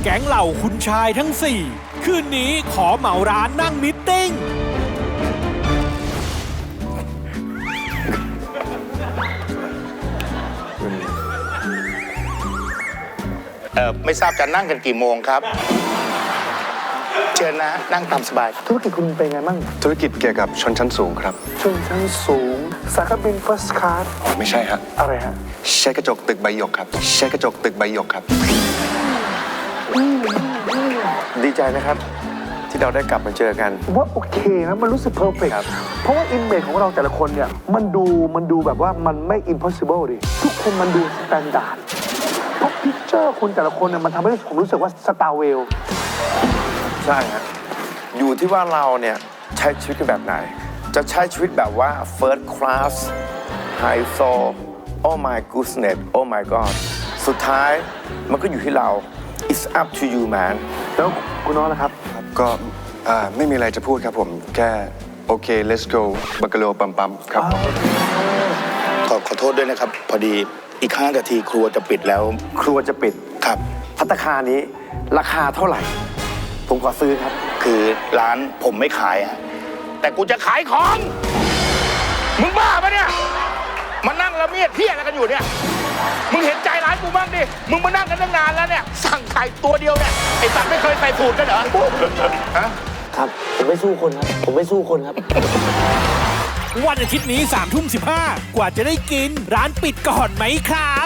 ก๊งเหล่าคุณชายทั้ง 4 คืนนี้ขอเหมาร้านนั่งมิทติ้งไม่ทราบจะนั่งกันกี่โมงครับ เชิญนะนั่งตามสบายธุรกิจคุณเป็นไงบ้างธุรกิจเกี่ยวกับชนชั้นสูงครับชนชั้นสูง สายการบิน first class อ๋อไม่ใช่ฮะอะไรฮะใช้กระจกตึกใบหยกครับใช้กระจกตึกใบหยกครับดีใจนะครับ ที่เราได้กลับมาเจอกันว่าโอเคนะมันรู้สึกเพอร์เฟกต์ครับเพราะว่าอิมเมจของเราแต่ละคนเนี่ยมันดูแบบว่ามันไม่ impossible ดิทุกคนมันดูสแตนดาร์ดเพราะพิกเจอร์คุณแต่ละคนเนี่ยมันทำให้ผมรู้สึกว่าสตาร์เวลใช่ครับอยู่ที่ว่าเราเนี่ยใช้ชีวิตกันแบบไหน จะใช้ชีวิตแบบว่า first class high soul oh my goodness oh my god สุดท้ายมันก็อยู่ที่เรา it's up to you man แล้วคุณน้องนะครับก็ไม่มีอะไรจะพูดครับผมแค่โอเค let's go บักกะโลปัมปัมครับผมขอโทษด้วยนะครับ พอดีอีก5 นาทีครัวจะปิดแล้วครัวจะปิดครับภัตตาคารนี้ราคาเท่าไหร่ ผมขอซื้อครับคือร้านผมไม่ขายฮะแต่กูจะขายของ มึงบ้าปะเนี่ยมานั่งละเมียดเที่ยอะไรกันอยู่เนี่ย มึงเห็นใจร้านกูบ้างดิ มึงมานั่งกันตั้งนานแล้วเนี่ย สั่งไข่ตัวเดียวเนี่ย ไอ้สัตว์ไม่เคยใส่สูตรกันเหรอฮะครับ ผมไม่สู้คนครับ ผมไม่สู้คนครับวันอาทิตย์นี้ 3 ทุ่ม 15 กว่าจะได้กินร้านปิดก่อนไหมครับ